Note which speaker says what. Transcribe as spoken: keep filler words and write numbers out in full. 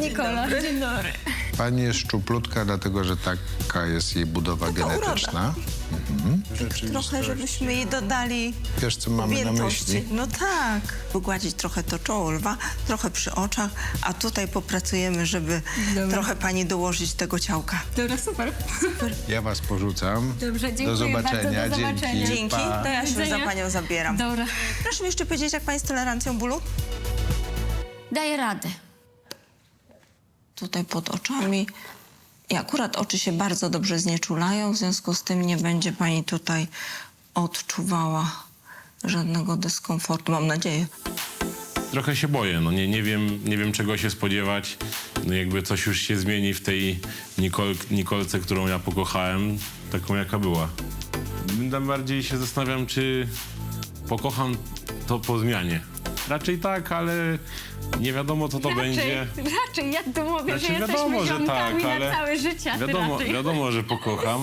Speaker 1: Nikola.
Speaker 2: Dzień dobry.
Speaker 3: Pani jest szczuplutka, dlatego że taka jest jej budowa
Speaker 1: Taka
Speaker 3: genetyczna.
Speaker 1: Trochę, żebyśmy jej dodali
Speaker 3: Wiesz, co mamy na
Speaker 1: objętości.
Speaker 3: myśli?
Speaker 1: No tak. Wygładzić trochę to czoło lwa, trochę przy oczach, a tutaj popracujemy, żeby
Speaker 2: Dobra.
Speaker 1: trochę pani dołożyć tego ciałka.
Speaker 2: Dobra, super.
Speaker 3: Ja was porzucam.
Speaker 2: Dobrze, dziękuję
Speaker 3: Do zobaczenia.
Speaker 2: bardzo, do zobaczenia.
Speaker 3: Dzięki.
Speaker 1: Dzięki,
Speaker 3: Pa.
Speaker 1: to ja się za
Speaker 2: widzenia.
Speaker 1: panią zabieram.
Speaker 2: Dobra.
Speaker 1: Proszę mi jeszcze powiedzieć, jak pani z tolerancją bólu?
Speaker 2: Daję radę.
Speaker 1: Tutaj pod oczami. I akurat oczy się bardzo dobrze znieczulają, w związku z tym nie będzie pani tutaj odczuwała żadnego dyskomfortu, mam nadzieję.
Speaker 4: Trochę się boję, no nie, nie, wiem, nie wiem czego się spodziewać. No jakby coś już się zmieni w tej Nikol, Nikolce, którą ja pokochałem, taką jaka była. Tam bardziej się zastanawiam, czy pokocham to po zmianie. Raczej tak, ale nie wiadomo co to
Speaker 2: raczej,
Speaker 4: będzie.
Speaker 2: Raczej, ja tu mówię,
Speaker 4: Znaczy,
Speaker 2: że jesteśmy
Speaker 4: wiadomo, że
Speaker 2: ziomkami
Speaker 4: tak, ale
Speaker 2: na całe życie, a ty
Speaker 4: Wiadomo,
Speaker 2: raczej.
Speaker 4: wiadomo, że pokocham.